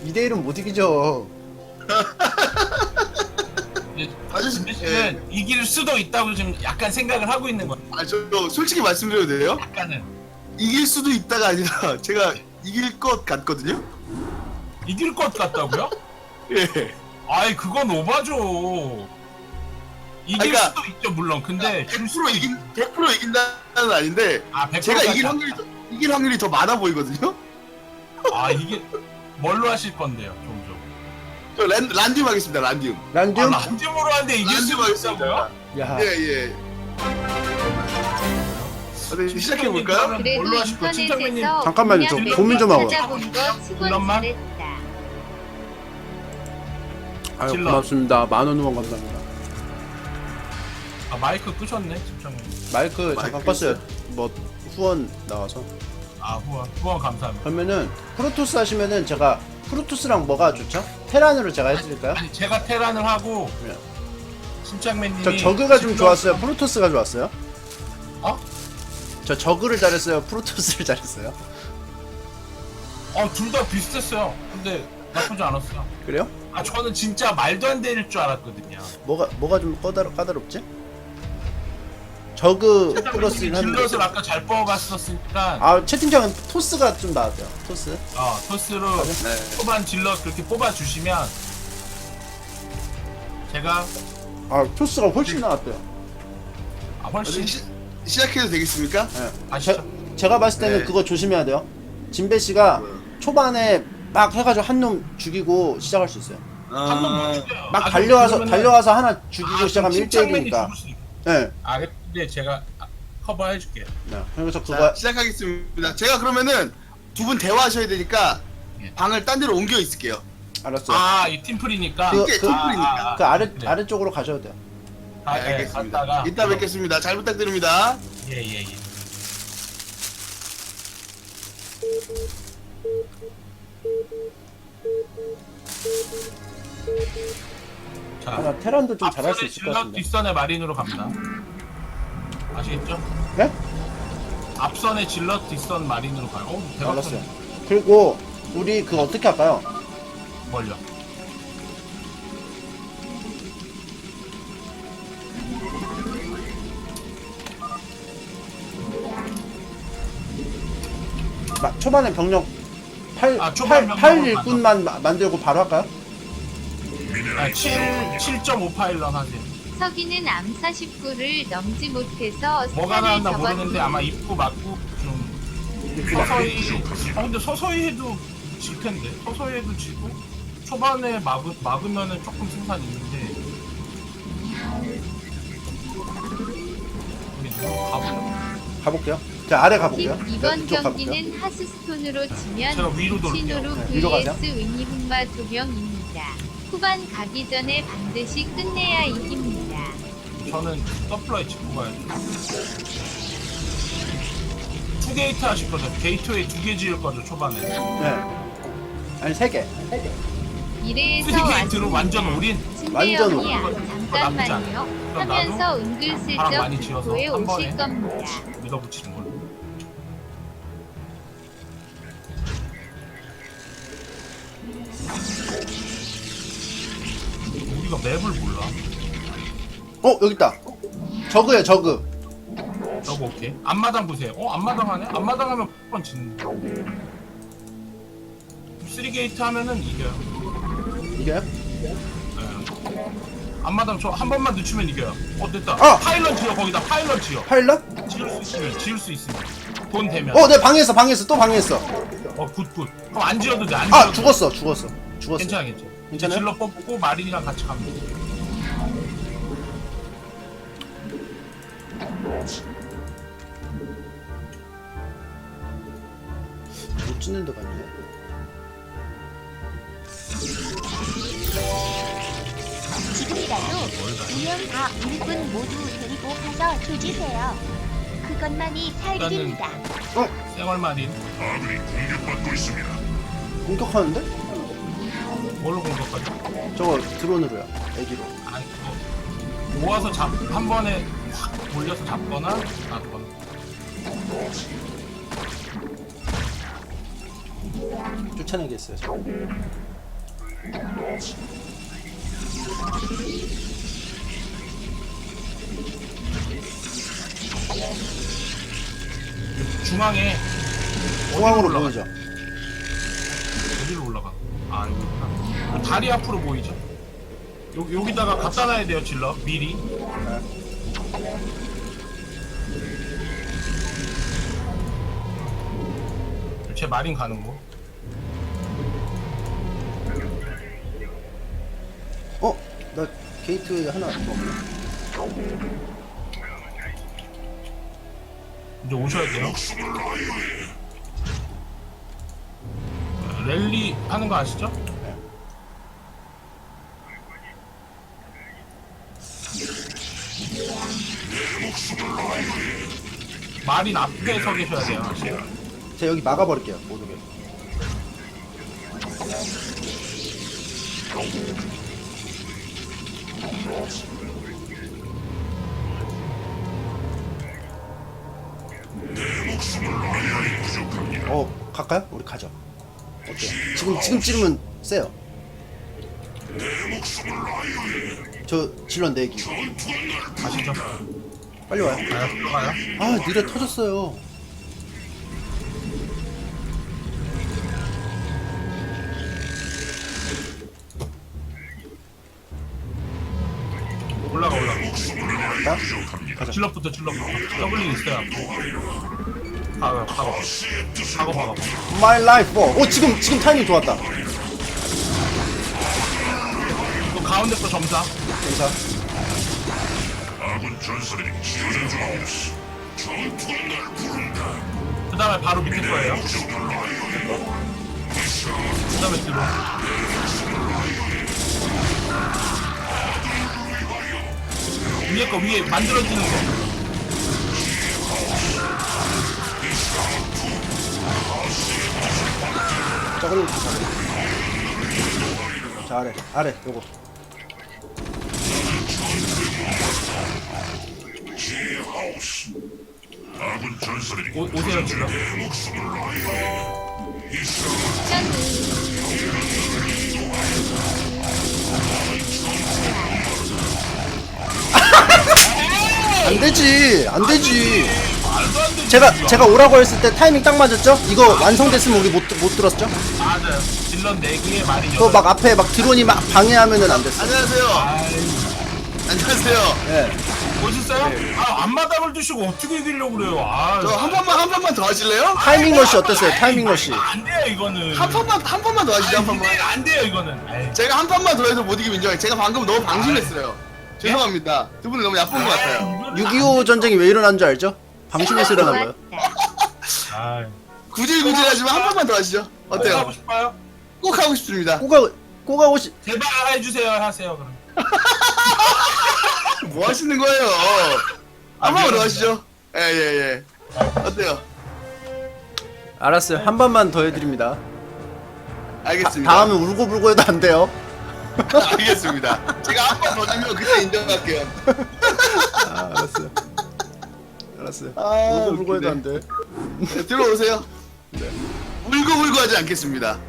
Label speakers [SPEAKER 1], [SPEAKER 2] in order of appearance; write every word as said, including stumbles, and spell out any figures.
[SPEAKER 1] 대 일은 못 이기죠.
[SPEAKER 2] 아저씨,
[SPEAKER 3] 씨는
[SPEAKER 2] 예.
[SPEAKER 3] 이길 수도 있다고 지금 약간 생각을 하고 있는 거야.
[SPEAKER 2] 아, 저 솔직히 말씀드려도 돼요?
[SPEAKER 3] 약간은
[SPEAKER 2] 이길 수도 있다가 아니라 제가 이길 것 같거든요?
[SPEAKER 3] 이길 것 같다고요?
[SPEAKER 2] 예.
[SPEAKER 3] 아이 그건 오바죠. 이길
[SPEAKER 2] 그러니까-
[SPEAKER 3] 수도 있죠 물론. 근데 줄
[SPEAKER 2] 백 퍼센트
[SPEAKER 3] 수도
[SPEAKER 2] 이긴,
[SPEAKER 3] 있-
[SPEAKER 2] 백 퍼센트 이긴다는 아닌데
[SPEAKER 3] 아, 백
[SPEAKER 2] 제가
[SPEAKER 3] 퍼센트
[SPEAKER 2] 이길 확률이 더, 이길 확률이 더 많아 보이거든요?
[SPEAKER 3] 아 이게 뭘로 하실 건데요, 좀 좀.
[SPEAKER 2] 저 란, 란디움 하겠습니다, 란디움.
[SPEAKER 3] 아
[SPEAKER 1] 란디움?
[SPEAKER 3] 란dim으로 하는데 이길
[SPEAKER 2] 란디움
[SPEAKER 3] 수도
[SPEAKER 2] 하겠습니다.
[SPEAKER 3] 있다고요?
[SPEAKER 1] 야,
[SPEAKER 2] 예, 예. 어디 시작해볼까요?
[SPEAKER 4] 그래도
[SPEAKER 3] 뭘로 하실 거예요? 침착맨님.
[SPEAKER 4] 인터넷에서
[SPEAKER 1] 잠깐만요, 저
[SPEAKER 4] 그냥
[SPEAKER 1] 고민 좀 하고.
[SPEAKER 4] 찾아본 거 치곤
[SPEAKER 3] 물론만.
[SPEAKER 4] 잘했다.
[SPEAKER 1] 아유
[SPEAKER 3] 질러.
[SPEAKER 1] 고맙습니다. 만원 후원 감사합니다.
[SPEAKER 3] 아 마이크 끄셨네, 침착맨.
[SPEAKER 1] 마이크 잠깐
[SPEAKER 2] 마이크
[SPEAKER 1] 껐어요. 뭐 후원 나와서.
[SPEAKER 3] 아 후원 후원 감사합니다.
[SPEAKER 1] 그러면은 프로토스 하시면은 제가 프로토스랑 뭐가 좋죠? 테란으로 제가 해드릴까요?
[SPEAKER 3] 아니 제가 테란을 하고
[SPEAKER 1] 네.
[SPEAKER 3] 침착맨님이
[SPEAKER 1] 저 저그가 좀
[SPEAKER 3] 질러-
[SPEAKER 1] 좋았어요. 프로토스가 좋았어요?
[SPEAKER 3] 어?
[SPEAKER 1] 저 저그를 잘했어요. 프로토스를 잘했어요.
[SPEAKER 3] 어둘 다 비슷했어요. 근데 나쁘지 않았어요.
[SPEAKER 1] 그래요?
[SPEAKER 3] 아 저는 진짜 말도 안 될 줄 알았거든요.
[SPEAKER 1] 뭐가 뭐가 좀 까다롭 까다롭지? 저그 플러스
[SPEAKER 3] 침착맨님이
[SPEAKER 1] 하는
[SPEAKER 3] 질럿을
[SPEAKER 1] 거.
[SPEAKER 3] 아까 잘 뽑아봤었으니까
[SPEAKER 1] 아 채팅창은 토스가 좀 나왔대요. 토스.
[SPEAKER 3] 어, 토스로
[SPEAKER 2] 네.
[SPEAKER 3] 초반 질럿 그렇게 뽑아주시면 제가
[SPEAKER 1] 아 토스가 훨씬 나왔대요.
[SPEAKER 3] 아, 훨씬
[SPEAKER 2] 어디 시, 시작해도 되겠습니까?
[SPEAKER 1] 예.
[SPEAKER 3] 아시죠?
[SPEAKER 1] 제가 봤을 때는
[SPEAKER 2] 네.
[SPEAKER 1] 그거 조심해야 돼요. 진배 씨가 초반에 막 해가지고 한 놈 죽이고 시작할 수 있어요.
[SPEAKER 3] 한번
[SPEAKER 2] 아,
[SPEAKER 3] 못 죽여요.
[SPEAKER 1] 막
[SPEAKER 3] 아,
[SPEAKER 1] 달려와서
[SPEAKER 3] 그러면은-
[SPEAKER 1] 달려와서 하나 죽이고
[SPEAKER 3] 아,
[SPEAKER 1] 시작하면
[SPEAKER 3] 그럼
[SPEAKER 1] 일 대 일이니까.
[SPEAKER 3] 침착맨이 죽을 수 있-
[SPEAKER 1] 예.
[SPEAKER 3] 아 근데 제가 아, 커버해줄게요.
[SPEAKER 1] 네. 그래서 그거
[SPEAKER 2] 자, 시작하겠습니다. 제가 그러면은 두 분 대화하셔야 되니까
[SPEAKER 3] 예.
[SPEAKER 2] 방을 딴 데로 옮겨 있을게요.
[SPEAKER 1] 알았어요.
[SPEAKER 3] 아이 팀플이니까
[SPEAKER 1] 그-
[SPEAKER 2] 이게
[SPEAKER 1] 그-
[SPEAKER 2] 팀플이니까.
[SPEAKER 1] 그 아래
[SPEAKER 3] 그래.
[SPEAKER 1] 아래쪽으로 가셔도 돼요.
[SPEAKER 3] 아,
[SPEAKER 2] 네,
[SPEAKER 3] 예,
[SPEAKER 2] 알겠습니다.
[SPEAKER 3] 갔다가
[SPEAKER 2] 이따 뵙겠습니다. 잘 부탁드립니다.
[SPEAKER 3] 예예 예. 자,
[SPEAKER 1] 아마 테란도 좀 잘할 수
[SPEAKER 3] 앞선의
[SPEAKER 1] 있을 것
[SPEAKER 3] 질럿
[SPEAKER 1] 같은데.
[SPEAKER 3] 뒷선의 마린으로 갑니다. 아시겠죠?
[SPEAKER 1] 네?
[SPEAKER 3] 앞선의 질럿 뒷선 마린으로 가요. 어, 대박.
[SPEAKER 1] 알았어요. 그리고 우리 그거 어떻게 할까요?
[SPEAKER 3] 뭘요?
[SPEAKER 1] 막 초반에 병력 팔
[SPEAKER 3] 아, 초반
[SPEAKER 1] 팔
[SPEAKER 3] 병력으로
[SPEAKER 1] 일꾼만 마- 만들고 바로 할까요?
[SPEAKER 3] 아, 칠, 칠 점 오 파일럿 하세요.
[SPEAKER 4] 서기는 암 사십구를 넘지 못해서
[SPEAKER 3] 뭐가
[SPEAKER 4] 스타를
[SPEAKER 3] 나왔나
[SPEAKER 4] 접었-
[SPEAKER 3] 모르는데 아마 입고 맞고 좀 서서히 아 근데 서서히 해도 질 텐데 서서히 해도 지고 초반에 막으, 막으면은 조금 승산 있는데 우리 좀 가보죠.
[SPEAKER 1] 가볼게요. 자 아래 가볼게요.
[SPEAKER 4] 팀 이번
[SPEAKER 1] 이쪽 가볼게요.
[SPEAKER 4] 경기는 하스스톤으로
[SPEAKER 3] 제가
[SPEAKER 4] 치면
[SPEAKER 3] 위로 돌게요.
[SPEAKER 4] 신으로
[SPEAKER 1] 네, 위로 가세요.
[SPEAKER 4] vs 윈니훈마 두 명입니다. 후반 가기 전에 반드시 끝내야 이깁니다.
[SPEAKER 3] 저는 서플라이 짚고 가야죠. 투 게이트 하실 거죠? 게이트웨이 두 개 지을 거죠 초반에.
[SPEAKER 1] 네. 아니 세 개.
[SPEAKER 4] 이래에서
[SPEAKER 3] 쓰리 게이트로 완전 올인.
[SPEAKER 1] 완전
[SPEAKER 4] 신대영이
[SPEAKER 1] 오른
[SPEAKER 4] 아,
[SPEAKER 3] 나쁘지
[SPEAKER 4] 잠깐만요
[SPEAKER 3] 그럼
[SPEAKER 4] 하면서
[SPEAKER 3] 바람
[SPEAKER 4] 은근슬쩍
[SPEAKER 3] 많이 지어서
[SPEAKER 4] 도에
[SPEAKER 3] 한 번에
[SPEAKER 4] 오실 겁니다.
[SPEAKER 3] 밀어붙이는 걸로. 우리가 맵을 몰라.
[SPEAKER 1] 어 여기 있다. 저그예요 저그.
[SPEAKER 3] 저거 오케이. 앞마당 보세요. 어 앞마당 하네? 앞마당 하면 번 지는. 쓰리 게이트 하면은 이겨요.
[SPEAKER 1] 이게요?
[SPEAKER 3] 예. 앞마당 저 한 번만 늦추면 이겨요. 어 됐다.
[SPEAKER 1] 아!
[SPEAKER 3] 파일럿 지어 거기다 파일럿 지어.
[SPEAKER 1] 파일럿?
[SPEAKER 3] 지을 수 있으면 지을 수 있으면 돈 되면.
[SPEAKER 1] 어, 내 방해했어, 방해했어, 또 방해했어.
[SPEAKER 3] 어 굿굿. 그럼 안 지어도 돼. 안 지어도
[SPEAKER 1] 아,
[SPEAKER 3] 돼.
[SPEAKER 1] 죽었어, 죽었어, 죽었어.
[SPEAKER 3] 괜찮아 괜찮아. 이제
[SPEAKER 1] 괜찮아요?
[SPEAKER 3] 질러 뽑고 마린이랑 같이 가면 돼.
[SPEAKER 1] 못 찍는 데가 있네.
[SPEAKER 5] 지금이라도 두 명 다 일꾼 모두 데리고 가서 조지세요. 그것만이 살
[SPEAKER 3] 일단은-
[SPEAKER 5] 길입니다.
[SPEAKER 3] 생활 마린
[SPEAKER 1] 공격하는데?
[SPEAKER 3] 뭘로 공격하죠?
[SPEAKER 1] 저거 드론으로요, 애기로.
[SPEAKER 3] 아니 그거 모아서 잡 한 번에 확 올려서 잡거나 놔두거나.
[SPEAKER 1] 쫓아내겠어요, 저.
[SPEAKER 3] 중앙에
[SPEAKER 1] 중앙으로
[SPEAKER 3] 올라가?
[SPEAKER 1] 보이죠?
[SPEAKER 3] 어디로 올라가? 아 여기구나. 다리 앞으로 보이죠? 여, 여기다가 갖다 놔야 돼요 질러 미리. 제 마린 가는 거.
[SPEAKER 1] 어? 나 게이트 하나 더 없네.
[SPEAKER 3] 이제 오셔야 돼요. 랠리 하는 거 아시죠? 마린 앞에 서 계셔야 돼요. 아시죠?
[SPEAKER 1] 제가 여기 막아버릴게요. 못 오게. 어, 갈까요? 우리 가죠. 어때요? 지금 지금 찌르면 세요. 저 질러 내기.
[SPEAKER 3] 아시죠?
[SPEAKER 1] 빨리 와요.
[SPEAKER 3] 가요? 가요?
[SPEAKER 1] 아, 느려 터졌어요.
[SPEAKER 3] 올라가 올라가.
[SPEAKER 1] 가? 가자.
[SPEAKER 3] 질럿부터 질럿부터. 더블링 있어요. 가요 가고. 가고 가고.
[SPEAKER 1] My life. 어, 어, 지금 지금 타이밍 좋았다.
[SPEAKER 3] 또 가운데 거 점사.
[SPEAKER 1] 괜찮아.
[SPEAKER 3] 그 다음에 바로 밑에 거예요. 그 다음에 뒤로. 위에 거 위에 만들어지는 거.
[SPEAKER 1] 저걸로 잘해. 잘해. 아래 요거.
[SPEAKER 3] 오, 오세요 질러.
[SPEAKER 1] 안 되지. 안 되지.
[SPEAKER 3] 말도 안 되지.
[SPEAKER 1] 제가 제가 오라고 했을 때 타이밍 딱 맞았죠? 이거 완성됐으면 우리 못 못 들었죠?
[SPEAKER 3] 맞아요. 질럿 네 개에 말이
[SPEAKER 1] 그거 막 앞에 막 드론이 막 방해하면은 안 됐어.
[SPEAKER 2] 안녕하세요. 안녕하세요.
[SPEAKER 1] 예.
[SPEAKER 3] 멋있어요? 아 앞마당을 두시고 어떻게 이기려고 그래요? 아,
[SPEAKER 2] 저 한 번만 한 번만 더 하실래요?
[SPEAKER 1] 타이밍 러시 어땠어요? 타이밍 러시.
[SPEAKER 3] 안 돼요 이거는.
[SPEAKER 2] 한 번만 한 번만 더 하시죠. 한 번만.
[SPEAKER 3] 아니, 안 돼요 이거는. 아이,
[SPEAKER 2] 제가 한 번만 더 해서 못 이기면 인정해요. 제가 방금 너무 방심했어요. 죄송합니다. 두 분이 너무 야쁜 것 같아요.
[SPEAKER 1] 육이오 전쟁이 왜 일어난 줄 알죠? 방심해서 일어난 거예요.
[SPEAKER 3] 아,
[SPEAKER 2] 구질구질하지만 한 번만 더 하시죠.
[SPEAKER 3] 하고
[SPEAKER 2] 어때요?
[SPEAKER 3] 싶어요?
[SPEAKER 2] 꼭 하고 싶습니다.
[SPEAKER 1] 꼬가 꼬가 오시.
[SPEAKER 3] 제발 해주세요 하세요 그럼.
[SPEAKER 2] 뭐 하시는 거예요? 한 번만 더 하시죠. 예예 예. 어때요?
[SPEAKER 1] 알았어요. 한 번만 더 해드립니다.
[SPEAKER 2] 알겠습니다.
[SPEAKER 1] 다음에 울고 불고 해도 안 돼요.
[SPEAKER 2] 알겠습니다. 제가 한 번 더 주면 그때 인정할게요.
[SPEAKER 1] 아, 알았어요. 알았어요.
[SPEAKER 2] 아,
[SPEAKER 1] 울고 불고 해도
[SPEAKER 2] 웃기네.
[SPEAKER 1] 안 돼.
[SPEAKER 2] 네, 들어오세요. 네. 울고 불고 하지 않겠습니다.